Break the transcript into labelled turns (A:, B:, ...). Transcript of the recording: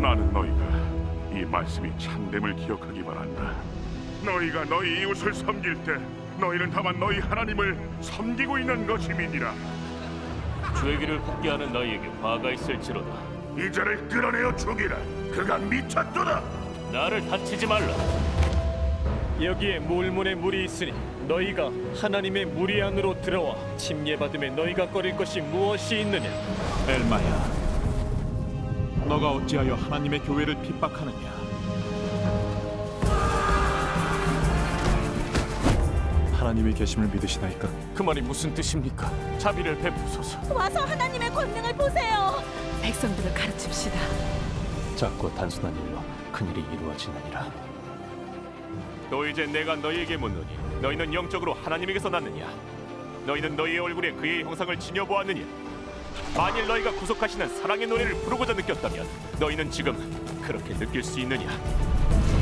A: 나는 너희가 이 말씀이 참됨을 기억하기 바란다. 너희가 너희 이웃을 섬길 때 너희는 다만 너희 하나님을 섬기고 있는 것임이니라.
B: 죄기를 굽게 하는 너희에게 화가 있을지로다.
A: 이 자를 끌어내어 죽이라. 그가 미쳤도다.
B: 나를 다치지 말라.
C: 여기에 물문에 물이 있으니 너희가 하나님의 무리 안으로 들어와 침례받음에 너희가 꺼릴 것이 무엇이 있느냐?
D: 엘마야, 너가 어찌하여 하나님의 교회를 핍박하느냐? 하나님의 계심을 믿으시나이까?
B: 그 말이 무슨 뜻입니까? 자비를 베푸소서.
E: 와서 하나님의 권능을 보세요. 백성들을 가르칩시다.
B: 작고 단순한 일로 큰일이 이루어지느니라. 또 이제 내가 너희에게 묻노니 너희는 영적으로 하나님에게서 났느냐? 너희는 너희의 얼굴에 그의 형상을 지녀보았느냐? 만일 너희가 구속하시는 사랑의 노래를 부르고자 느꼈다면 너희는 지금 그렇게 느낄 수 있느냐?